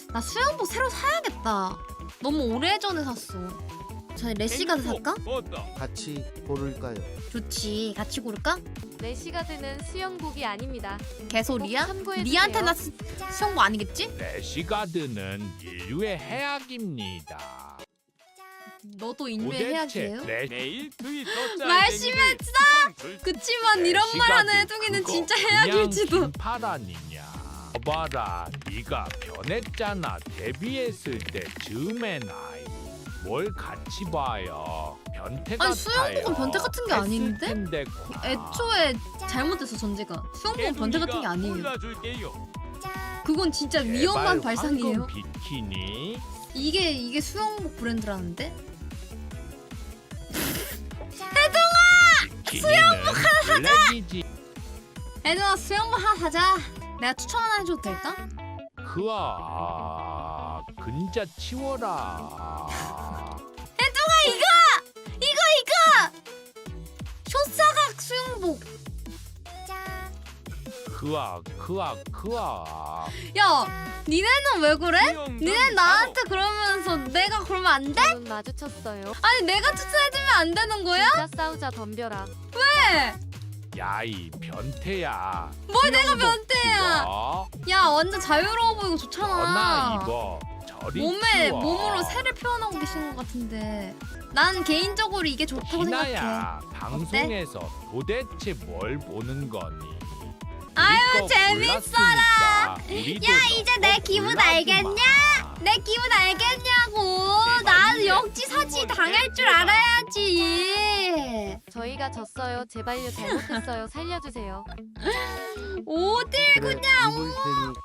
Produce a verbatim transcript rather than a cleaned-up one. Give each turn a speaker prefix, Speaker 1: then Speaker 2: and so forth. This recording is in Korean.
Speaker 1: 나 수영복 새로 사야겠다. 너무 오래전에 샀어. 저 래시가드 살까?
Speaker 2: 같이 고를까요?
Speaker 1: 좋지. 같이 고를까?
Speaker 3: 래시가드는 수영복이 아닙니다.
Speaker 1: 개소리야?
Speaker 3: 꼭 참고해주세요.
Speaker 1: 니한테 나 수, 수영복 아니겠지?
Speaker 4: 래시가드는 인류의 해악입니다.
Speaker 1: 너도 인류의 해악이에요?
Speaker 4: 래...
Speaker 5: 매일 트위터
Speaker 1: 말심했어! 그치만 이런 말 하는 해둥이는 진짜 해악일지도.
Speaker 4: 파라니냐? 봐라, 네가 변했잖아. 데뷔했을 때 즈음의 나이. 뭘 같이 봐요? 변태 같아요.
Speaker 1: 아니 수영복은 변태 같은 게 아닌데?
Speaker 4: 텐데,
Speaker 1: 애초에 잘못됐어 전제가. 수영복은 변태 같은 게 아니에요.
Speaker 5: 골라줄게요.
Speaker 1: 그건 진짜
Speaker 4: 제발
Speaker 1: 위험한 발상이에요.
Speaker 4: 황금 비키니.
Speaker 1: 이게 이게 수영복 브랜드라는데?
Speaker 4: 수영복 하나 사자.
Speaker 1: 애들아 수영복 하나 사자. 내가 추천 하나 해줘도 될까?
Speaker 4: 그아 근자 치워라.
Speaker 1: 이거 이거! 쇼사각 수영복.
Speaker 4: 그아 그아 그아.
Speaker 1: 야 니네는 왜 그래? 니네 나한테 그러면서 내가 그러면 안 돼?
Speaker 3: 눈 마주쳤어요.
Speaker 1: 아니 내가 추천해주면 안 되는 거야?
Speaker 3: 진짜 싸우자 덤벼라.
Speaker 1: 왜?
Speaker 4: 야이 변태야.
Speaker 1: 뭘 내가 변태야?
Speaker 4: 입어.
Speaker 1: 야 완전 자유로워 보이고
Speaker 4: 전화
Speaker 1: 좋잖아.
Speaker 4: 입어. 저리
Speaker 1: 몸에
Speaker 4: 치워.
Speaker 1: 몸으로 새를 표현하고 계시는 것 같은데 난 개인적으로 이게 좋다고 생각해.
Speaker 4: 희나야 방송에서 도대체 뭘 보는 거니?
Speaker 1: 아유,
Speaker 4: 우리 거
Speaker 1: 재밌어라.
Speaker 4: 골랐으니까 우리도
Speaker 1: 야 이제 내
Speaker 4: 너거
Speaker 1: 기분
Speaker 4: 골라주마.
Speaker 1: 알겠냐? 내 기분 알겠냐고. 난 역지사지 당할 줄 알아야지.
Speaker 3: 저희가 졌어요. 제발요 잘못했어요. 살려주세요.
Speaker 1: 어딜
Speaker 2: 그래, 입을 테니